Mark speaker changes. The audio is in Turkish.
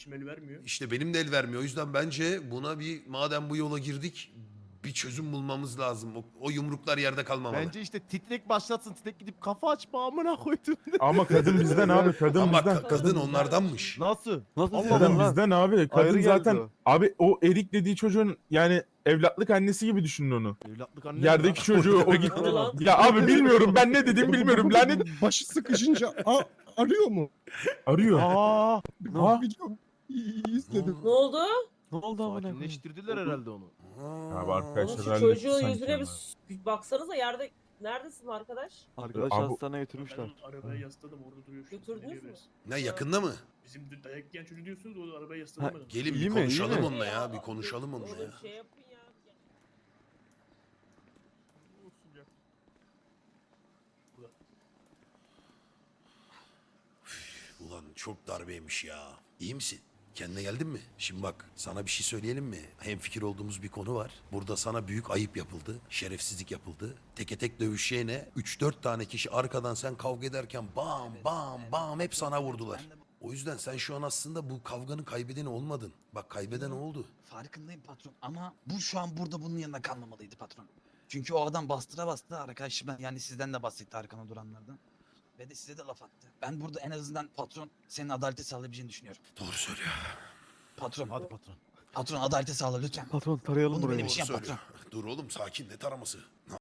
Speaker 1: el vermiyor.
Speaker 2: İşte benim de el vermiyor. O yüzden bence buna bir madem bu yola girdik bir çözüm bulmamız lazım. O yumruklar yerde kalmamalı.
Speaker 3: Bence işte titrek başlatsın. Titrek gidip kafa açma amına koydum.
Speaker 4: Ama kadın bizden abi, kadın
Speaker 2: Ama
Speaker 4: bizden.
Speaker 2: kadın onlardanmış.
Speaker 3: Nasıl?
Speaker 5: Nasıl
Speaker 3: Allah
Speaker 4: Kadın
Speaker 3: Allah.
Speaker 4: bizden abi. Kadın
Speaker 5: Ayrı geldi
Speaker 4: zaten
Speaker 5: o.
Speaker 4: abi o Erik dediği çocuğun yani evlatlık annesi gibi düşünün onu.
Speaker 3: Evlatlık anne.
Speaker 4: Yerdeki çocuğu o gitti.
Speaker 6: O ne lan?
Speaker 4: Ya abi bilmiyorum, ben ne dediğimi bilmiyorum. Lanet
Speaker 7: Başı sıkışınca arıyor mu?
Speaker 4: arıyor.
Speaker 3: Aa,
Speaker 7: Biliyorum. İzledim.
Speaker 6: Ne oldu?
Speaker 5: Ne oldu amına koyayım?
Speaker 3: sakinleştirdiler herhalde onu.
Speaker 4: Abi
Speaker 6: Oğlum
Speaker 4: arkadaşlar
Speaker 6: şu
Speaker 4: hallettik
Speaker 6: çocuğun
Speaker 4: sanki
Speaker 6: yüzüne
Speaker 4: ama.
Speaker 6: bir baksanıza yerde. Neredesin arkadaş?
Speaker 5: Arkadaş
Speaker 4: Abi-
Speaker 5: hastaneye götürmüşler.
Speaker 1: Ben arabaya yasladım orada duruyor şu an.
Speaker 6: Götürdünüz
Speaker 1: Geliyor
Speaker 6: mü?
Speaker 1: biraz.
Speaker 2: Ne yakında mı?
Speaker 1: Bizim de dayak yiyen çocuğu diyorsunuz o da arabaya yasladım
Speaker 5: Ha,
Speaker 1: ben.
Speaker 2: Gelin
Speaker 5: İyi
Speaker 2: bir
Speaker 5: mi, iyi
Speaker 2: konuşalım
Speaker 5: mi?
Speaker 2: onunla ya. Bir konuşalım onunla ya.
Speaker 6: Oğlum şey yapın ya.
Speaker 2: Ulan çok darbeymiş ya. İyi misin? Kendine geldin mi? Şimdi bak sana bir şey söyleyelim mi? Hemfikir olduğumuz bir konu var. Burada sana büyük ayıp yapıldı. Şerefsizlik yapıldı. Teke tek dövüşeceğine 3-4 tane kişi arkadan sen kavga ederken bam bam bam hep sana vurdular. O yüzden sen şu an aslında bu kavganın kaybedeni olmadın. Bak kaybeden oldu.
Speaker 8: Farkındayım patron ama bu şu an burada bunun yanında kalmamalıydı patron. Çünkü o adam bastıra bastı arkadaşım, yani sizden de bahsetti arkana duranlardan. Ve de size de laf attı. Ben burada en azından patron senin adaleti sağlayabileceğini düşünüyorum.
Speaker 2: Doğru söylüyor.
Speaker 8: Patron,
Speaker 3: Hadi patron.
Speaker 8: patron adaleti sağla lütfen.
Speaker 5: Patron tarayalım
Speaker 8: Bunu
Speaker 5: burayı.
Speaker 8: benim için
Speaker 2: Doğru
Speaker 8: yap
Speaker 2: söylüyor.
Speaker 8: patron.
Speaker 2: Dur oğlum sakin ne taraması?